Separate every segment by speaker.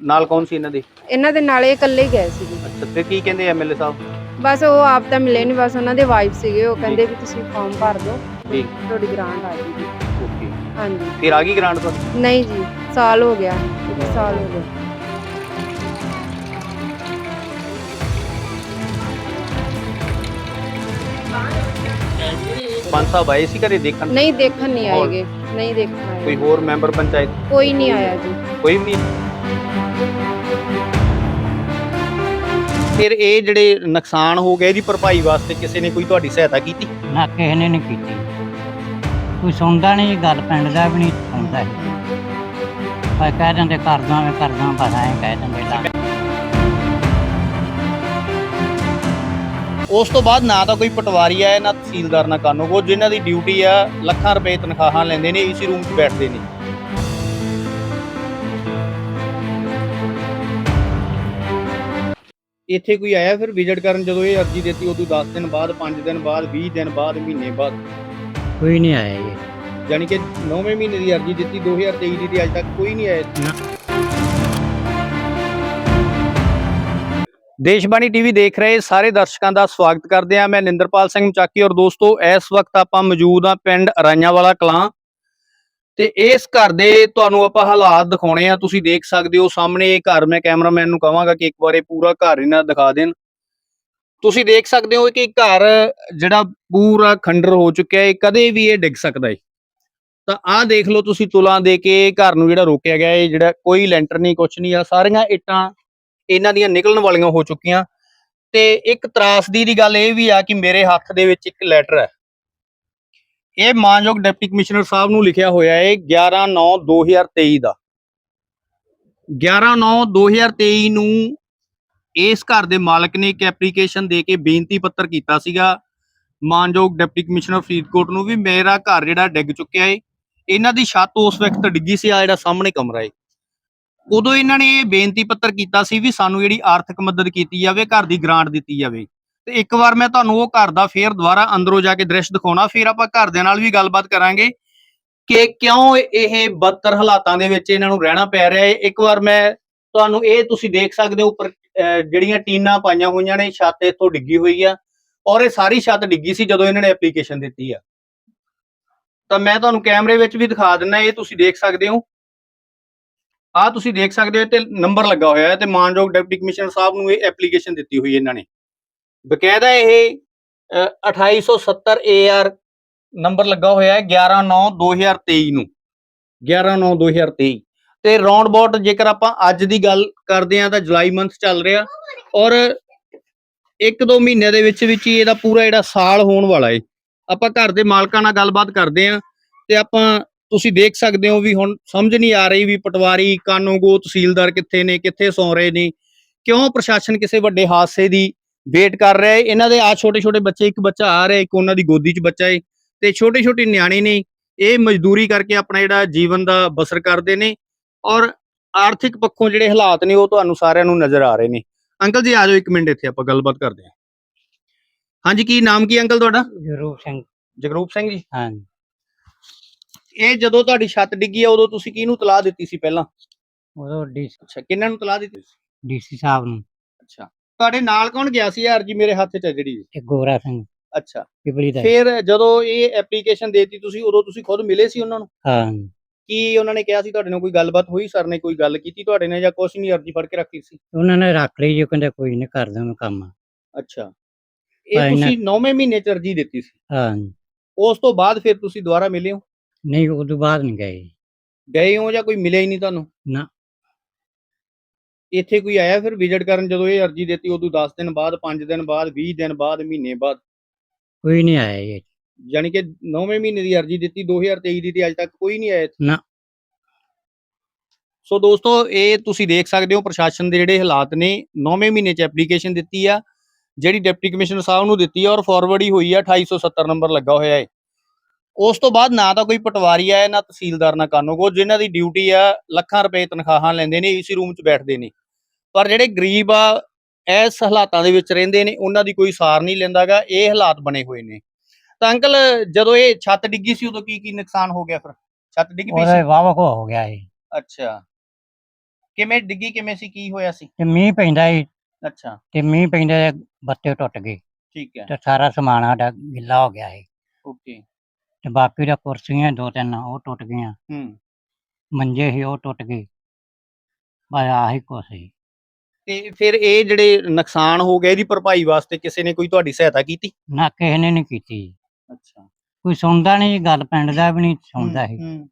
Speaker 1: ਨਾਲ ਕੌਣ ਸੀ ਇਹਨਾਂ ਦੇ?
Speaker 2: ਇਹਨਾਂ ਦੇ ਨਾਲ ਇਹ ਇਕੱਲੇ ਹੀ ਗਏ ਸੀਗੇ।
Speaker 1: ਅੱਛਾ, ਤੇ ਕੀ ਕਹਿੰਦੇ ਐਮਐਲਏ ਸਾਹਿਬ?
Speaker 2: ਬਸ ਉਹ ਆਪ ਤਾਂ ਮਿਲੇ ਨਹੀਂ, ਬਸ ਉਹਨਾਂ ਦੇ ਵਾਈਫ ਸੀਗੇ, ਉਹ ਕਹਿੰਦੇ ਵੀ ਤੁਸੀਂ ਫਾਰਮ ਭਰ ਦਿਓ
Speaker 1: ਜੀ,
Speaker 2: ਤੁਹਾਡੀ ਗ੍ਰਾਂਟ ਆ ਜਾਊਗੀ।
Speaker 1: ਓਕੇ।
Speaker 2: ਹਾਂਜੀ।
Speaker 1: ਫਿਰ ਆ ਗਈ ਗ੍ਰਾਂਟ ਤੁਹਾਡੀ?
Speaker 2: ਨਹੀਂ ਜੀ, ਸਾਲ ਹੋ ਗਿਆ, 1 ਸਾਲ ਹੋ ਗਿਆ।
Speaker 1: ਪੰਜ ਸਾਹਿਬ ਆਏ ਸੀ ਘਰੇ ਦੇਖਣ?
Speaker 2: ਨਹੀਂ, ਦੇਖਣ ਨਹੀਂ ਆਏਗੇ, ਨਹੀਂ ਦੇਖਣ ਆਏ।
Speaker 1: ਕੋਈ ਹੋਰ ਮੈਂਬਰ ਪੰਚਾਇਤ?
Speaker 2: ਕੋਈ ਨਹੀਂ ਆਇਆ ਜੀ,
Speaker 1: ਕੋਈ ਵੀ ਨਹੀਂ। ਫਿਰ ਇਹ ਜਿਹੜੇ ਨੁਕਸਾਨ ਹੋ ਗਏ ਇਹਦੀ ਭਰਪਾਈ ਵਾਸਤੇ ਕਿਸੇ ਨੇ ਕੋਈ ਤੁਹਾਡੀ ਸਹਾਇਤਾ ਕੀਤੀ?
Speaker 3: ਨਾ ਕਿਸੇ ਨੇ ਨਹੀਂ ਕੀਤੀ, ਕੋਈ ਸੁਣਦਾ ਨਹੀਂ ਗੱਲ, ਪਿੰਡ ਦਾ ਵੀ ਨਹੀਂ ਸੁਣਦਾ। ਪਰ ਕਹਿ ਦਿੰਦੇ ਕਰਦਾ ਮੈਂ ਕਰਦਾ, ਬਸ ਐਂ ਕਹਿ ਦਿੰਦੇ ਲਾ।
Speaker 1: ਉਸ ਤੋਂ ਬਾਅਦ ਨਾ ਤਾਂ ਕੋਈ ਪਟਵਾਰੀ ਆ ਨਾ ਤਹਿਸੀਲਦਾਰ ਨਾ ਕਾਨੂੰਗੋ, ਜਿਨ੍ਹਾਂ ਦੀ ਡਿਊਟੀ ਆ ਲੱਖਾਂ ਰੁਪਏ ਤਨਖਾਹਾਂ ਲੈਂਦੇ ਨੇ, ਏਸੀ ਰੂਮ 'ਚ ਬੈਠਦੇ ਨੇ। ਇੱਥੇ ਕੋਈ ਆਇਆ ਫਿਰ ਵਿਜ਼ਿਟ ਕਰਨ? ਜਦੋਂ ਇਹ ਅਰਜ਼ੀ ਦਿੱਤੀ ਉਦੋਂ 10 ਦਿਨ ਬਾਅਦ, 5 ਦਿਨ ਬਾਅਦ, 20 ਦਿਨ ਬਾਅਦ, ਮਹੀਨੇ ਬਾਅਦ?
Speaker 3: ਕੋਈ ਨਹੀਂ ਆਇਆ ਜੀ।
Speaker 1: ਯਾਨੀ ਕਿ 9ਵੇਂ ਮਹੀਨੇ ਦੀ ਅਰਜ਼ੀ ਦਿੱਤੀ 2023 ਦੀ, ਤੇ ਅੱਜ ਤੱਕ ਕੋਈ ਨਹੀਂ ਆਇਆ। ਦੇਸ਼ਬਾਣੀ ਟੀਵੀ ਦੇਖ ਰਹੇ ਸਾਰੇ ਦਰਸ਼ਕਾਂ ਦਾ ਸਵਾਗਤ ਕਰਦੇ ਹਾਂ। ਮੈਂ ਨਿੰਦਰਪਾਲ ਸਿੰਘ ਮਚਾਕੀ। ਔਰ ਦੋਸਤੋ, ਇਸ ਵਕਤ ਆਪਾਂ ਮੌਜੂਦ ਹਾਂ ਪਿੰਡ ਰਾਈਆਂਵਾਲਾ ਕਲਾਂ, ਤੇ ਇਸ ਘਰ ਦੇ ਤੁਹਾਨੂੰ ਆਪਾਂ ਹਾਲਾਤ ਦਿਖਾਉਣੇ ਆ। ਤੁਸੀਂ ਦੇਖ ਸਕਦੇ ਹੋ ਸਾਹਮਣੇ ਇਹ ਘਰ। ਮੈਂ ਕੈਮਰਾਮੈਨ ਨੂੰ ਕਹਾਂਗਾ ਕਿ ਇੱਕ ਵਾਰ ਪੂਰਾ ਘਰ ਇਹਨਾਂ ਦਿਖਾ ਦੇਣ। ਤੁਸੀਂ ਦੇਖ ਸਕਦੇ ਹੋ ਕਿ ਘਰ ਜਿਹੜਾ ਪੂਰਾ ਖੰਡਰ ਹੋ ਚੁੱਕਿਆ ਹੈ, ਕਦੇ ਵੀ ਇਹ ਡਿੱਗ ਸਕਦਾ ਹੈ। ਤਾਂ ਆਹ ਦੇਖ ਲਓ ਤੁਸੀਂ, ਤੁਲਾਂ ਦੇ ਕੇ ਘਰ ਨੂੰ ਜਿਹੜਾ ਰੋਕਿਆ ਗਿਆ ਹੈ, ਜਿਹੜਾ ਕੋਈ ਲੈਂਟਰ ਨਹੀਂ, ਕੁਛ ਨਹੀਂ ਆ, ਸਾਰੀਆਂ ਇੱਟਾਂ ਇਹਨਾਂ ਦੀਆਂ ਨਿਕਲਣ ਵਾਲੀਆਂ ਹੋ ਚੁੱਕੀਆਂ। ਤੇ ਇੱਕ ਤਰਾਸਦੀ ਦੀ ਗੱਲ ਇਹ ਵੀ ਆ ਕਿ ਮੇਰੇ ਹੱਥ ਦੇ ਵਿੱਚ ਇੱਕ ਲੈਟਰ ਹੈ। ਇਹ ਮਾਨਯੋਗ ਡਿਪਟੀ ਕਮਿਸ਼ਨਰ ਸਾਹਿਬ ਨੂੰ ਲਿਖਿਆ ਹੋਇਆ ਹੈ 11/9/2023 ਦਾ। 11/9/2023 ਨੂੰ ਇਸ ਘਰ ਦੇ ਮਾਲਕ ਨੇ ਇੱਕ ਐਪਲੀਕੇਸ਼ਨ ਦੇ ਕੇ ਬੇਨਤੀ ਪੱਤਰ ਕੀਤਾ ਸੀਗਾ ਮਾਨਯੋਗ ਡਿਪਟੀ ਕਮਿਸ਼ਨਰ ਫਰੀਦਕੋਟ ਨੂੰ ਵੀ ਮੇਰਾ ਘਰ ਜਿਹੜਾ ਡਿੱਗ ਚੁੱਕਿਆ ਹੈ। ਇਹਨਾਂ ਦੀ ਛੱਤ ਉਸ ਵਕਤ ਡਿੱਗੀ ਸੀ, ਆ ਜਿਹੜਾ ਸਾਹਮਣੇ ਕਮਰਾ ਹੈ। ਉਦੋਂ ਇਹਨਾਂ ਨੇ ਇਹ ਬੇਨਤੀ ਪੱਤਰ ਕੀਤਾ ਸੀ ਵੀ ਸਾਨੂੰ ਜਿਹੜੀ ਆਰਥਿਕ ਮਦਦ ਕੀਤੀ ਜਾਵੇ, ਘਰ ਦੀ ਗ੍ਰਾਂਟ ਦਿੱਤੀ ਜਾਵੇ। ਤੇ ਇੱਕ ਵਾਰ ਮੈਂ ਤੁਹਾਨੂੰ ਉਹ ਘਰ ਦਾ ਫੇਰ ਦੁਬਾਰਾ ਅੰਦਰੋਂ ਜਾ ਕੇ ਦ੍ਰਿਸ਼ ਦਿਖਾਉਣਾ, ਫਿਰ ਆਪਾਂ ਘਰਦਿਆਂ ਨਾਲ ਵੀ ਗੱਲਬਾਤ ਕਰਾਂਗੇ ਕਿ ਕਿਉਂ ਇਹ ਬਦਤਰ ਹਾਲਾਤਾਂ ਦੇ ਵਿੱਚ ਇਹਨਾਂ ਨੂੰ ਰਹਿਣਾ ਪੈ ਰਿਹਾ ਹੈ। ਇੱਕ ਵਾਰ ਮੈਂ ਤੁਹਾਨੂੰ ਇਹ ਤੁਸੀਂ ਦੇਖ ਸਕਦੇ ਹੋ ਉੱਪਰ ਜਿਹੜੀਆਂ ਟੀਨਾਂ ਪਾਈਆਂ ਹੋਈਆਂ ਨੇ, ਛੱਤ ਇੱਥੋਂ ਡਿੱਗੀ ਹੋਈ ਆ। ਔਰ ਇਹ ਸਾਰੀ ਛੱਤ ਡਿੱਗੀ ਸੀ ਜਦੋਂ ਇਹਨਾਂ ਨੇ ਐਪਲੀਕੇਸ਼ਨ ਦਿੱਤੀ ਆ। ਤਾਂ ਮੈਂ ਤੁਹਾਨੂੰ ਕੈਮਰੇ ਵਿੱਚ ਵੀ ਦਿਖਾ ਦਿੰਦਾ, ਇਹ ਤੁਸੀਂ ਦੇਖ ਸਕਦੇ ਹੋ। ਆਹ ਤੁਸੀਂ ਦੇਖ ਸਕਦੇ ਹੋ ਤੇ ਨੰਬਰ ਲੱਗਾ ਹੋਇਆ ਹੈ, ਤੇ ਮਾਨਯੋਗ ਡਿਪਟੀ ਕਮਿਸ਼ਨਰ ਸਾਹਿਬ ਨੂੰ ਇਹ ਐਪਲੀਕੇਸ਼ਨ ਦਿੱਤੀ ਹੋਈ ਇਹਨਾਂ ਨੇ। ਬਕਾਇਦਾ ਇਹ 2870 AR ਨੰਬਰ ਲੱਗਾ ਹੋਇਆ ਹੈ 11/9/2023 ਨੂੰ, 11/9/2023। ਤੇ ਰਾਉਂਡ ਅਬਾਊਟ ਜੇਕਰ ਆਪਾਂ ਅੱਜ ਦੀ ਗੱਲ ਕਰਦੇ ਹਾਂ ਤਾਂ ਜੁਲਾਈ ਮੰਥ ਚੱਲ ਰਿਹਾ, ਔਰ 1-2 ਮਹੀਨਿਆਂ ਦੇ ਵਿੱਚ ਹੀ ਇਹਦਾ ਪੂਰਾ ਜਿਹੜਾ ਸਾਲ ਹੋਣ ਵਾਲਾ ਹੈ। ਆਪਾਂ ਘਰ ਦੇ ਮਾਲਕਾਂ ਨਾਲ ਗੱਲਬਾਤ ਕਰਦੇ ਹਾਂ, ਤੇ ਆਪਾਂ ਤੁਸੀਂ ਦੇਖ ਸਕਦੇ ਹੋ ਵੀ ਹੁਣ ਸਮਝ ਨਹੀਂ ਆ ਰਹੀ ਵੀ ਪਟਵਾਰੀ, ਕਾਨੂੰਗੋ, ਤਹਿਸੀਲਦਾਰ ਕਿੱਥੇ ਨੇ, ਕਿੱਥੇ ਸੌਂ ਰਹੇ ਨੇ, ਕਿਉਂ ਪ੍ਰਸ਼ਾਸਨ ਕਿਸੇ ਵੱਡੇ ਹਾਦਸੇ ਦੀ ਵੇਟ ਕਰ ਰਿਹਾ ਹੈ। ਇਹਨਾਂ ਦੇ ਆ ਛੋਟੇ ਛੋਟੇ ਬੱਚੇ, ਇੱਕ ਬੱਚਾ ਆ ਰਿਹਾ, ਇੱਕ ਉਹਨਾਂ ਦੀ ਗੋਦੀ 'ਚ ਬੱਚਾ ਹੈ, ਤੇ ਛੋਟੇ ਛੋਟੇ ਨਿਆਣੇ ਨੇ। ਇਹ ਮਜ਼ਦੂਰੀ ਕਰਕੇ ਆਪਣਾ ਜਿਹੜਾ ਜੀਵਨ ਦਾ ਬਸਰ ਕਰਦੇ ਨੇ, ਔਰ ਆਰਥਿਕ ਪੱਖੋਂ ਜਿਹੜੇ ਹਾਲਾਤ ਨੇ ਉਹ ਤੁਹਾਨੂੰ ਸਾਰਿਆਂ ਨੂੰ ਨਜ਼ਰ ਆ ਰਹੇ ਨੇ। ਅੰਕਲ ਜੀ ਆ ਜਾਓ 1 ਮਿੰਟ, ਇੱਥੇ ਆਪਾਂ ਗੱਲਬਾਤ ਕਰਦੇ ਹਾਂ। ਹਾਂਜੀ, ਕੀ ਨਾਮ ਕੀ ਅੰਕਲ ਤੁਹਾਡਾ?
Speaker 3: ਜਗਰੂਪ ਸਿੰਘ।
Speaker 1: ਜਗਰੂਪ ਸਿੰਘ ਜੀ।
Speaker 3: ਹਾਂ,
Speaker 1: ਇਹ ਜਦੋਂ ਤੁਹਾਡੀ ਛੱਤ ਡਿੱਗੀ ਆ ਉਦੋਂ ਤੁਸੀਂ ਕਿਹਨੂੰ ਤਲਾਹ ਦਿੱਤੀ ਸੀ ਪਹਿਲਾਂ?
Speaker 3: ਉਦੋਂ
Speaker 1: ਅੱਛਾ, ਕਿਹਨਾਂ ਨੂੰ ਤਲਾਹ ਦਿੱਤੀ ਸੀ?
Speaker 3: ਡੀਸੀ ਸਾਹਿਬ ਨੂੰ।
Speaker 1: ਅੱਛਾ, ਤੁਹਾਡੇ ਨਾਲ ਕੌਣ ਗਿਆ ਸੀ? ਯਾਰ ਜੀ ਮੇਰੇ ਹੱਥ 'ਚ ਹੈ ਜਿਹੜੀ।
Speaker 3: ਤੇ ਗੋਰਾ ਸਿੰਘ
Speaker 1: ਅੱਛਾ,
Speaker 3: ਪਿਪਲੀ ਦਾ।
Speaker 1: ਫਿਰ ਜਦੋਂ ਇਹ ਐਪਲੀਕੇਸ਼ਨ ਦੇਤੀ ਤੁਸੀਂ, ਉਦੋਂ ਤੁਸੀਂ ਖੁਦ ਮਿਲੇ ਸੀ ਉਹਨਾਂ ਨੂੰ?
Speaker 3: ਹਾਂ,
Speaker 1: ਕੀ ਉਹਨਾਂ ਨੇ ਕਿਹਾ ਸੀ ਤੁਹਾਡੇ ਨਾਲ? ਕੋਈ ਗੱਲਬਾਤ ਹੋਈ? ਸਰ ਨੇ ਕੋਈ ਗੱਲ ਕੀਤੀ ਤੁਹਾਡੇ ਨਾਲ ਜਾਂ ਕੁਛ ਨਹੀਂ, ਅਰਜੀ ਫੜ ਕੇ ਰੱਖੀ ਸੀ?
Speaker 3: ਉਹਨਾਂ ਨੇ ਰੱਖ ਲਈ ਜੀ, ਉਹ ਕਹਿੰਦੇ ਕੋਈ ਨਹੀਂ ਕਰਦਾ ਮੈਂ ਕੰਮ।
Speaker 1: ਅੱਛਾ, ਇਹ ਤੁਸੀਂ 9ਵੇਂ ਮਹੀਨੇ 'ਚ ਅਰਜੀ ਦਿੱਤੀ ਸੀ?
Speaker 3: ਹਾਂ,
Speaker 1: ਉਸ ਤੋਂ ਬਾਅਦ ਫਿਰ ਤੁਸੀਂ ਦੁਬਾਰਾ ਮਿਲੇ ਹੋ?
Speaker 3: ਨਹੀਂ ਉਦੋਂ ਬਾਅਦ ਨਹੀਂ ਗਏ।
Speaker 1: ਗਏ ਹੋ ਜਾਂ ਕੋਈ ਮਿਲਿਆ ਹੀ ਨਹੀਂ ਤੁਹਾਨੂੰ?
Speaker 3: ਨਾ,
Speaker 1: ਇੱਥੇ ਕੋਈ ਆਇਆ ਫਿਰ ਵਿਜ਼ਿਟ ਕਰਨ ਜਦੋਂ ਇਹ ਅਰਜੀ ਦਿੱਤੀ ਉਦੋਂ 10 ਦਿਨ ਬਾਅਦ, 5 ਦਿਨ ਬਾਅਦ, 20 ਦਿਨ ਬਾਅਦ, ਮਹੀਨੇ ਬਾਅਦ?
Speaker 3: ਕੋਈ ਨਹੀਂ ਆਇਆ ਜੀ।
Speaker 1: ਯਾਨੀ ਕਿ 9ਵੇਂ ਮਹੀਨੇ ਦੀ ਅਰਜੀ ਦਿੱਤੀ 2023 ਦੀ, ਤੇ ਅੱਜ ਤੱਕ ਕੋਈ ਨਹੀਂ ਆਇਆ?
Speaker 3: ਨਾ।
Speaker 1: ਸੋ ਦੋਸਤੋ, ਇਹ ਤੁਸੀਂ ਦੇਖ ਸਕਦੇ ਹੋ ਪ੍ਰਸ਼ਾਸਨ ਦੇ ਜਿਹੜੇ ਹਾਲਾਤ ਨੇ। 9ਵੇਂ ਮਹੀਨੇ 'ਚ ਐਪਲੀਕੇਸ਼ਨ ਦਿੱਤੀ ਆ, ਜਿਹੜੀ ਡਿਪਟੀ ਕਮਿਸ਼ਨਰ ਸਾਹਿਬ ਨੂੰ ਦਿੱਤੀ ਆ, ਔਰ ਫਾਰਵਰਡ ਹੀ ਹੋਈ ਆ, 2870 ਨੰਬਰ ਲੱਗਾ ਹੋਇਆ ਹੈ। ਉਸ ਤੋਂ ਬਾਅਦ ਨਾ ਤਾਂ ਕੋਈ ਪਟਵਾਰੀ ਆ, ਨਾ ਤਹਿਸੀਲਦਾਰ, ਨਾ ਕਾਨੂੰਗੋ, ਜਿਨ੍ਹਾਂ ਦੀ ਡਿਊਟੀ ਆ ਲੱਖਾਂ ਰੁਪਏ ਤਨਖਾਹਾਂ ਲੈਂਦੇ ਨੇ, ਏਸੀ ਰੂਮ 'ਚ ਬੈਠਦੇ ਨੇ। ਪਰ ਜਿਹੜੇ ਗਰੀਬ ਆ, ਇਸ ਹਾਲਾਤਾਂ ਦੇ ਵਿੱਚ ਰਹਿੰਦੇ ਨੇ, ਉਹਨਾਂ ਦੀ ਕੋਈ ਸਾਰ ਨਹੀਂ ਲੈਂਦਾਗਾ। ਇਹ ਹਾਲਾਤ ਬਣੇ ਹੋਏ ਨੇ। ਤਾਂ ਅੰਕਲ, ਜਦੋਂ ਇਹ ਛੱਤ ਡਿੱਗੀ ਸੀ ਉਦੋਂ ਕੀ ਕੀ ਨੁਕਸਾਨ ਹੋ ਗਿਆ? ਫਿਰ ਛੱਤ ਡਿੱਗ ਪਈ ਸੀ?
Speaker 3: ਉਹਦਾ ਵਾਵਾ ਕੋ ਹੋ ਗਿਆ ਇਹ।
Speaker 1: ਅੱਛਾ, ਕਿਵੇਂ ਡਿੱਗੀ, ਕਿਵੇਂ ਸੀ, ਕੀ ਹੋਇਆ ਸੀ?
Speaker 3: ਤੇ ਮੀਂਹ ਪੈਂਦਾ ਸੀ
Speaker 1: ਅੱਛਾ,
Speaker 3: ਤੇ ਮੀਂਹ ਪੈਂਦੇ ਬੱਤੇ ਟੁੱਟ ਗਏ
Speaker 1: ਠੀਕ ਹੈ,
Speaker 3: ਤੇ ਸਾਰਾ ਸਮਾਨ ਸਾਡਾ ਗਿੱਲਾ ਹੋ ਗਿਆ ਸੀ
Speaker 1: ਓਕੇ।
Speaker 3: ਤੇ ਬਾਕੀ ਦਾ ਕੁਰਸੀਆਂ 2-3 ਉਹ ਟੁੱਟ ਗਈਆਂ,
Speaker 1: ਹੂੰ।
Speaker 3: ਮੰਜੇ ਸੀ ਉਹ ਟੁੱਟ ਗਏ, ਬਸ ਆਹੀ ਕੁਛ ਸੀ।
Speaker 1: ਤੇ ਫਿਰ ਇਹ ਜਿਹੜੇ ਨੁਕਸਾਨ ਹੋ ਗਏ, ਇਹਦੀ ਭਰਪਾਈ ਵਾਸਤੇ ਕਿਸੇ ਨੇ ਕੋਈ ਤੁਹਾਡੀ ਸਹਾਇਤਾ ਕੀਤੀ?
Speaker 3: ਨਾ ਕਿਸੇ ਨੇ ਨਹੀਂ ਕੀਤੀ ਜੀ।
Speaker 1: ਅੱਛਾ।
Speaker 3: ਕੋਈ ਸੁਣਦਾ ਨਹੀਂ ਗੱਲ, ਪਿੰਡ ਦਾ ਵੀ ਨਹੀਂ ਸੁਣਦਾ ਸੀ।
Speaker 1: ਹੂੰ।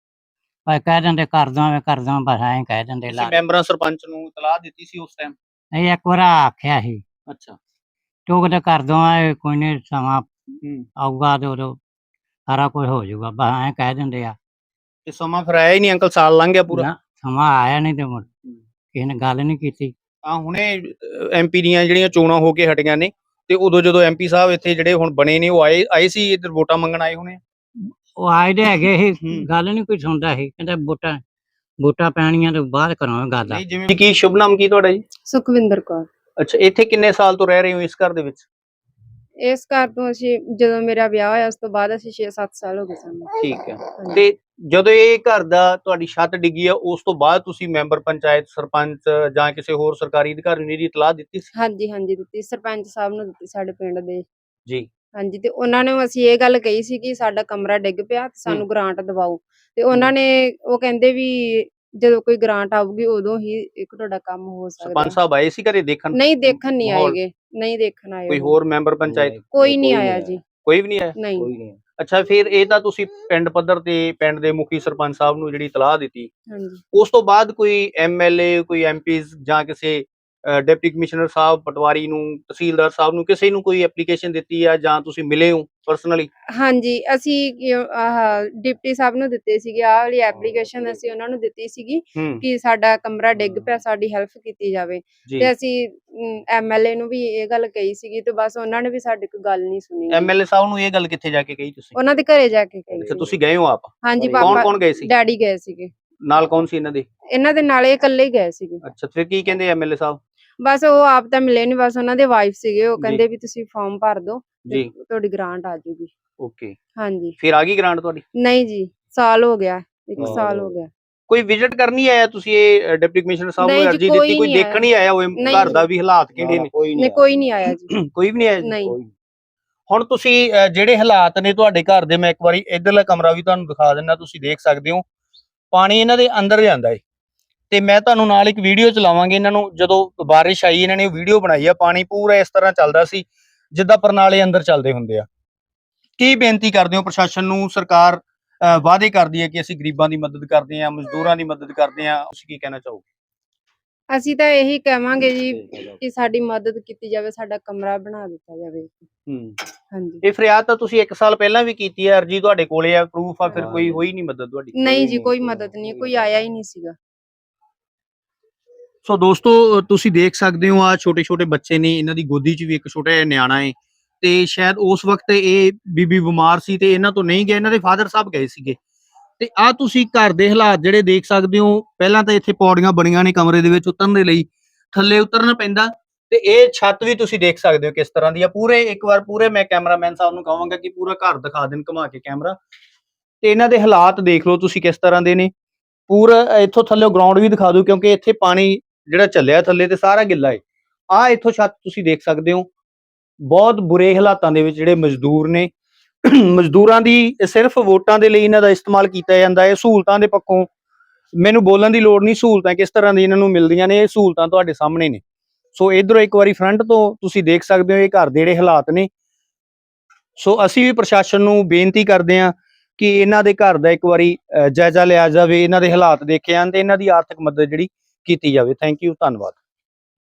Speaker 3: ਬਸ ਕਹਿ ਦਿੰਦੇ ਕਰਦਾ ਬਸ ਐਂ ਕਹਿ ਦਿੰਦੇ
Speaker 1: ਤੁਸੀਂ
Speaker 3: ਲਾ
Speaker 1: ਮੈਂਬਰਾਂ ਸਰਪੰਚ ਨੂੰ ਇਤਲਾਹ ਦਿੱਤੀ ਸੀ ਉਸ ਟਾਈਮ?
Speaker 3: ਅਸੀਂ ਇੱਕ ਵਾਰ ਆਖਿਆ ਸੀ
Speaker 1: ਅੱਛਾ।
Speaker 3: ਤੇ ਉਹ ਕਹਿੰਦੇ ਕਰਦਾ ਕੋਈ ਨਹੀਂ, ਸਮਾਂ
Speaker 1: ਹੂੰ।
Speaker 3: ਆਊਗਾ ਤੇ ਉਦੋਂ ਸਾਰਾ ਕੁਝ ਹੋ ਜਾਊਗਾ, ਬਸ ਐਂ ਕਹਿ ਦਿੰਦੇ ਆ।
Speaker 1: ਤੇ ਸਮਾਂ ਫਿਰ ਆਇਆ ਹੀ ਨਹੀਂ ਅੰਕਲ, ਸਾਲ ਲੰਘ ਗਿਆ ਪੂਰਾ।
Speaker 3: ਨਾ ਸਮਾਂ ਆਇਆ ਨਹੀਂ ਤੇ ਮੁੜ ਕਿਸੇ ਨੇ ਗੱਲ ਨਹੀਂ ਕੀਤੀ।
Speaker 1: ਆ ਹੁਣੇ ਐਮਪੀ ਦੀਆਂ ਜਿਹੜੀਆਂ ਚੋਣਾਂ ਹੋ ਕੇ ਹਟੀਆਂ ਨੇ, ਤੇ ਉਦੋਂ ਜਦੋਂ ਐਮਪੀ ਸਾਹਿਬ ਇੱਥੇ ਜਿਹੜੇ ਹੁਣ ਬਣੇ ਨੇ ਉਹ ਆਏ ਸੀ ਇੱਧਰ ਵੋਟਾਂ ਮੰਗਣ ਆਏ ਹੋਣੇ?
Speaker 3: ਉਹ ਆਏ ਦੇ ਹੈਗੇ ਸੀ,
Speaker 1: ਹੂੰ।
Speaker 3: ਗੱਲ ਨਹੀਂ ਕੋਈ ਸੁਣਦਾ ਸੀ, ਕਹਿੰਦਾ ਵੋਟਾਂ ਪੈਣੀਆਂ ਤੇ ਬਾਅਦ ਕਰਾਂਗੇ ਗੱਲ।
Speaker 1: ਨਹੀਂ, ਜਿਵੇਂ ਕੀ ਸ਼ੁਭ ਨਾਮ ਕੀ ਤੁਹਾਡਾ ਜੀ?
Speaker 2: ਸੁਖਵਿੰਦਰ ਕੌਰ।
Speaker 1: ਅੱਛਾ, ਇੱਥੇ ਕਿੰਨੇ ਸਾਲ ਤੋਂ ਰਹਿ ਰਹੇ ਹੋ ਇਸ ਘਰ ਦੇ ਵਿੱਚ?
Speaker 2: ਇਸ ਘਰ ਤੋਂ ਅਸੀਂ ਜਦੋਂ ਮੇਰਾ ਵਿਆਹ ਹੋਇਆ ਉਸ ਤੋਂ ਬਾਅਦ ਅਸੀਂ 6-7 ਸਾਲ ਹੋ ਗਏ ਸਾਨੂੰ।
Speaker 1: ਠੀਕ ਹੈ।
Speaker 2: ਹਾਂਜੀ।
Speaker 1: ਤੇ ਜਦੋਂ ਇਹ ਘਰ ਦਾ ਤੁਹਾਡੀ ਛੱਤ ਡਿੱਗੀ ਆ ਉਸ ਤੋਂ ਬਾਅਦ ਤੁਸੀਂ ਮੈਂਬਰ ਪੰਚਾਇਤ, ਸਰਪੰਚ ਜਾਂ ਕਿਸੇ ਹੋਰ ਸਰਕਾਰੀ ਅਧਿਕਾਰੀ ਨੂੰ ਇਹਦੀ ਇਤਲਾਹ ਦਿੱਤੀ ਸੀ?
Speaker 2: ਹਾਂਜੀ ਦਿੱਤੀ, ਸਰਪੰਚ ਸਾਹਿਬ ਨੂੰ ਦਿੱਤੀ ਸਾਡੇ ਪਿੰਡ ਦੇ।
Speaker 1: ਜੀ।
Speaker 2: ਹਾਂਜੀ, ਤੇ ਉਹਨਾਂ ਨੇ ਅਸੀਂ ਇਹ ਗੱਲ ਕਹੀ ਸੀ ਕਿ ਸਾਡਾ ਕਮਰਾ ਡਿੱਗ ਪਿਆ ਤੇ ਸਾਨੂੰ ਗ੍ਰਾਂਟ ਦਿਵਾਓ, ਤੇ ਉਹਨਾਂ ਨੇ ਉਹ ਕਹਿੰਦੇ ਵੀ ਜਦੋਂ ਕੋਈ ਗ੍ਰਾਂਟ ਆਊਗੀ ਉਦੋਂ ਹੀ ਇੱਕ ਤੁਹਾਡਾ ਕੰਮ ਹੋ ਸਕਦਾ।
Speaker 1: ਸਰਪੰਚ ਸਾਹਿਬ ਆਏ ਸੀ ਘਰੇ ਦੇਖਣ?
Speaker 2: ਨਹੀਂ, ਦੇਖਣ ਨਹੀਂ
Speaker 1: ਮਾਹੌਲ?
Speaker 2: ਆਏਗੇ, ਨਹੀਂ ਦੇਖਣ ਆਏ
Speaker 1: ਕੋਈ
Speaker 2: ਉਹ।
Speaker 1: ਹੋਰ ਮੈਂਬਰ ਪੰਚਾਇਤ?
Speaker 2: ਕੋਈ ਨਹੀਂ ਆਇਆ ਜੀ।
Speaker 1: ਕੋਈ ਵੀ ਨਹੀਂ ਆਇਆ?
Speaker 2: ਨਹੀਂ।
Speaker 1: ਅੱਛਾ, ਫਿਰ ਇਹ ਤਾਂ ਤੁਸੀਂ ਪਿੰਡ ਪੱਧਰ ਤੇ ਪਿੰਡ ਦੇ ਮੁਖੀ ਸਰਪੰਚ ਸਾਹਿਬ ਨੂੰ ਜਿਹੜੀ ਇਤਲਾਹ ਦਿੱਤੀ,
Speaker 2: ਹਾਂਜੀ।
Speaker 1: ਉਸ ਤੋਂ ਬਾਅਦ ਕੋਈ ਐਮਐਲਏ, ਕੋਈ ਐਮਪੀਜ਼ ਜਾਂ ਕਿਸੇ ਡਿਪਟੀ ਕਮਿਸ਼ਨਰ ਸਾਹਿਬ ਪਟਵਾਰੀ ਨੂੰ, ਤਹਿਸੀਲਦਾਰ ਸਾਹਿਬ ਨੂੰ, ਕਿਸੇ ਨੂੰ ਕੋਈ ਐਪਲੀਕੇਸ਼ਨ ਦਿੱਤੀ ਆ ਜਾਂ ਤੁਸੀਂ ਮਿਲੇ ਹੋ ਪਰਸਨਲੀ?
Speaker 2: ਹਾਂਜੀ, ਅਸੀਂ ਆਹ ਡਿਪਟੀ ਸਾਹਿਬ ਨੂੰ ਦਿੱਤੇ ਸੀਗੇ, ਆਹ ਵਾਲੀ ਐਪਲੀਕੇਸ਼ਨ ਅਸੀਂ ਉਹਨਾਂ ਨੂੰ ਦਿੱਤੀ ਸੀਗੀ ਕਿ ਸਾਡਾ ਕਮਰਾ ਡਿੱਗ ਪਿਆ, ਸਾਡੀ ਹੈਲਪ ਕੀਤੀ ਜਾਵੇ। ਤੇ ਅਸੀਂ ਐਮਐਲਏ ਨੂੰ ਵੀ ਇਹ ਗੱਲ ਕਹੀ ਸੀਗੀ ਤੇ ਬਸ ਉਹਨਾਂ ਨੇ ਵੀ ਸਾਡੀ ਕੋਈ ਗੱਲ ਨਹੀਂ ਸੁਣੀ।
Speaker 1: ਐਮਐਲਏ ਸਾਹਿਬ ਨੂੰ ਇਹ ਗੱਲ ਕਿੱਥੇ ਜਾ ਕੇ ਕਹੀ ਤੁਸੀਂ?
Speaker 2: ਉਹਨਾਂ ਦੇ ਘਰੇ ਜਾ ਕੇ ਕਹੀ
Speaker 1: ਅੱਛਾ,
Speaker 2: ਸੀ।
Speaker 1: ਤੁਸੀਂ ਗਏ ਹੋ ਆਪ?
Speaker 2: ਹਾਂਜੀ,
Speaker 1: ਕੌਣ ਗਏ ਸੀ?
Speaker 2: ਡੈਡੀ ਗਏ ਸੀਗੇ।
Speaker 1: ਨਾਲ ਕੌਣ ਸੀ ਇਹਨਾਂ ਦੇ?
Speaker 2: ਇਹਨਾਂ ਦੇ ਨਾਲ ਇਹ ਇਕੱਲੇ ਹੀ ਗਏ ਸੀਗੇ।
Speaker 1: ਅੱਛਾ, ਫਿਰ ਕੀ ਕਹਿੰਦੇ ਐਮਐਲਏ ਸਾਹਿਬ?
Speaker 2: ਬਸ ਉਹ ਆਪ ਤਾਂ ਮਿਲੇ ਨੀ, ਬਸ ਉਹਨਾਂ ਦੇ ਵਾਈਫ ਸੀਗੇ, ਉਹ ਕਹਿੰਦੇ ਵੀ ਤੁਸੀਂ ਫਾਰਮ ਭਰ ਦਿਓ ਤੇ
Speaker 1: ਜੀ।
Speaker 2: ਤੁਹਾਡੀ ਗ੍ਰਾਂਟ ਆ ਜਾਊਗੀ।
Speaker 1: ਓਕੇ।
Speaker 2: ਹਾਂਜੀ।
Speaker 1: ਫਿਰ ਆ ਗਈ ਗ੍ਰਾਂਟ ਤੁਹਾਡੀ?
Speaker 2: ਨਹੀਂ ਜੀ, ਸਾਲ ਹੋ ਗਿਆ, 1 ਸਾਲ ਹੋ ਗਿਆ।
Speaker 1: ਕੋਈ ਵਿਜ਼ਿਟ ਕਰਨੀ ਆਇਆ ਤੁਸੀਂ ਇਹ ਡਿਪਟੀ ਕਮਿਸ਼ਨਰ ਸਾਹਿਬ ਨੂੰ
Speaker 2: ਨਹੀਂ ਜੀ,
Speaker 1: ਅਰਜੀ
Speaker 2: ਕੋਈ
Speaker 1: ਦਿੱਤੀ, ਕੋਈ
Speaker 2: ਨਹੀਂ
Speaker 1: ਦੇਖਣ ਹੀ ਆਇਆ ਹੋਵੇ
Speaker 2: ਨਹੀਂ
Speaker 1: ਘਰ
Speaker 2: ਜੀ।
Speaker 1: ਦਾ ਵੀ ਹਾਲਾਤ ਕਿਹੜੇ ਨੇ?
Speaker 2: ਨਹੀਂ, ਕੋਈ ਨਹੀਂ ਆਇਆ ਜੀ।
Speaker 1: ਕੋਈ ਵੀ ਨਹੀਂ ਆਇਆ ਜੀ?
Speaker 2: ਨਹੀਂ।
Speaker 1: ਹੁਣ ਤੁਸੀਂ ਜਿਹੜੇ ਹਾਲਾਤ ਨੇ ਤੁਹਾਡੇ ਘਰ ਦੇ, ਮੈਂ ਇੱਕ ਵਾਰੀ ਇਧਰਲਾ ਕਮਰਾ ਵੀ ਤੁਹਾਨੂੰ ਦਿਖਾ ਦਿੰਦਾ, ਤੁਸੀਂ ਦੇਖ ਸਕਦੇ ਹੋ ਪਾਣੀ ਇਹਨਾਂ ਦੇ ਅੰਦਰ ਜਾਂਦਾ ਹੈ। ਤੇ ਮੈਂ ਤੁਹਾਨੂੰ ਨਾਲ ਇੱਕ ਵੀਡੀਓ ਚਲਾਵਾਂਗੇ, ਇਹਨਾਂ ਨੂੰ ਜਦੋਂ ਬਾਰਿਸ਼ ਆਈ ਇਹਨਾਂ ਨੇ ਵੀਡੀਓ ਬਣਾਈ ਆ, ਪਾਣੀ ਪੂਰਾ ਇਸ ਤਰ੍ਹਾਂ ਚੱਲਦਾ ਸੀ ਜਿੱਦਾਂ ਪਰਨਾਲੇ ਅੰਦਰ ਚੱਲਦੇ ਹੁੰਦੇ ਆ। ਕੀ ਬੇਨਤੀ ਕਰਦੇ ਹੋ ਪ੍ਰਸ਼ਾਸਨ ਨੂੰ? ਸਰਕਾਰ ਵਾਅਦੇ ਕਰਦੀ ਹੈ ਕਿ ਅਸੀਂ ਗਰੀਬਾਂ ਦੀ ਮਦਦ ਕਰਦੇ ਹਾਂ, ਮਜ਼ਦੂਰਾਂ ਦੀ ਮਦਦ ਕਰਦੇ ਹਾਂ, ਤੁਸੀਂ ਕੀ ਕਹਿਣਾ ਚਾਹੋਗੇ?
Speaker 2: ਅਸੀਂ ਤਾਂ ਇਹੀ ਕਹਾਂਗੇ ਜੀ ਕਿ ਸਾਡੀ ਮਦਦ ਕੀਤੀ ਜਾਵੇ, ਸਾਡਾ ਕਮਰਾ ਬਣਾ ਦਿੱਤਾ ਜਾਵੇ। ਹਾਂਜੀ।
Speaker 1: ਇਹ ਫਰਿਆਦ ਤਾਂ ਤੁਸੀਂ 1 ਸਾਲ ਪਹਿਲਾਂ ਵੀ ਕੀਤੀ ਹੈ, ਅਰਜੀ ਤੁਹਾਡੇ ਕੋਲੇ ਆ, ਪ੍ਰੂਫ ਆ, ਫਿਰ ਕੋਈ ਹੋਈ ਨਹੀਂ ਮਦਦ ਤੁਹਾਡੀ?
Speaker 2: ਨਹੀਂ ਜੀ, ਕੋਈ ਮਦਦ ਨਹੀਂ, ਕੋਈ ਆਇਆ ਹੀ ਨਹੀਂ ਸੀਗਾ।
Speaker 1: ਸੋ ਦੋਸਤੋ, ਤੁਸੀਂ ਦੇਖ ਸਕਦੇ ਹੋ ਆ ਛੋਟੇ ਛੋਟੇ ਬੱਚੇ ਨੇ, ਇਹਨਾਂ ਦੀ ਗੋਦੀ 'ਚ ਵੀ ਇੱਕ ਛੋਟਾ ਜਿਹਾ ਨਿਆਣਾ ਹੈ, ਤੇ ਸ਼ਾਇਦ ਉਸ ਵਕਤ ਇਹ ਬੀਬੀ ਬਿਮਾਰ ਸੀ ਤੇ ਇਹਨਾਂ ਤੋਂ ਨਹੀਂ ਗਏ, ਇਹਨਾਂ ਦੇ ਫਾਦਰ ਸਾਹਿਬ ਗਏ ਸੀਗੇ। ਤੇ ਆ ਤੁਸੀਂ ਘਰ ਦੇ ਹਾਲਾਤ ਜਿਹੜੇ ਦੇਖ ਸਕਦੇ ਹੋ, ਪਹਿਲਾਂ ਤਾਂ ਇੱਥੇ ਪੌੜੀਆਂ ਬਣੀਆਂ ਨੇ ਕਮਰੇ ਦੇ ਵਿੱਚ ਉਤਰਨ ਦੇ ਲਈ, ਥੱਲੇ ਉਤਰਨਾ ਪੈਂਦਾ, ਤੇ ਇਹ ਛੱਤ ਵੀ ਤੁਸੀਂ ਦੇਖ ਸਕਦੇ ਹੋ ਕਿਸ ਤਰ੍ਹਾਂ ਦੀ ਆ। ਇੱਕ ਵਾਰ ਪੂਰੇ ਮੈਂ ਕੈਮਰਾਮੈਨ ਸਾਹਿਬ ਨੂੰ ਕਹਾਂਗਾ ਕਿ ਪੂਰਾ ਘਰ ਦਿਖਾ ਦੇਣ ਘੁਮਾ ਕੇ ਕੈਮਰਾ, ਤੇ ਇਹਨਾਂ ਦੇ ਹਾਲਾਤ ਦੇਖ ਲਓ ਤੁਸੀਂ ਕਿਸ ਤਰ੍ਹਾਂ ਦੇ ਨੇ। ਪੂਰਾ ਇੱਥੋਂ ਥੱਲੇ ਗਰਾਊਂਡ ਵੀ ਦਿਖਾ ਦੂ, ਕਿਉਂਕਿ ਇੱਥੇ ਪਾਣੀ ਜਿਹੜਾ ਚੱਲਿਆ ਥੱਲੇ ਤੇ ਸਾਰਾ ਗਿੱਲਾ ਹੈ। ਆ ਇੱਥੋਂ ਛੱਤ ਤੁਸੀਂ ਦੇਖ ਸਕਦੇ ਹੋ, ਬਹੁਤ ਬੁਰੇ ਹਾਲਾਤਾਂ ਦੇ ਵਿੱਚ ਜਿਹੜੇ ਮਜ਼ਦੂਰ ਨੇ। ਮਜ਼ਦੂਰਾਂ ਦੀ ਸਿਰਫ ਵੋਟਾਂ ਦੇ ਲਈ ਇਹਨਾਂ ਦਾ ਇਸਤੇਮਾਲ ਕੀਤਾ ਜਾਂਦਾ ਹੈ। ਸਹੂਲਤਾਂ ਦੇ ਪੱਖੋਂ ਮੈਨੂੰ ਬੋਲਣ ਦੀ ਲੋੜ ਨਹੀਂ, ਸਹੂਲਤਾਂ ਕਿਸ ਤਰ੍ਹਾਂ ਦੀ ਇਹਨਾਂ ਨੂੰ ਮਿਲਦੀਆਂ ਨੇ, ਇਹ ਸਹੂਲਤਾਂ ਤੁਹਾਡੇ ਸਾਹਮਣੇ ਨੇ। ਸੋ ਇਧਰੋਂ ਇੱਕ ਵਾਰੀ ਫਰੰਟ ਤੋਂ ਤੁਸੀਂ ਦੇਖ ਸਕਦੇ ਹੋ ਇਹ ਘਰ ਦੇ ਜਿਹੜੇ ਹਾਲਾਤ ਨੇ। ਸੋ ਅਸੀਂ ਵੀ ਪ੍ਰਸ਼ਾਸਨ ਨੂੰ ਬੇਨਤੀ ਕਰਦੇ ਹਾਂ ਕਿ ਇਹਨਾਂ ਦੇ ਘਰ ਦਾ ਇੱਕ ਵਾਰੀ ਜਾਇਜ਼ਾ ਲਿਆ ਜਾਵੇ, ਇਹਨਾਂ ਦੇ ਹਾਲਾਤ ਦੇਖੇ ਜਾਣ ਤੇ ਇਹਨਾਂ ਦੀ ਆਰਥਿਕ ਮਦਦ ਜਿਹੜੀ ਕੀਤੀ ਜਾਵੇ। ਥੈਂਕ ਯੂ, ਧੰਨਵਾਦ।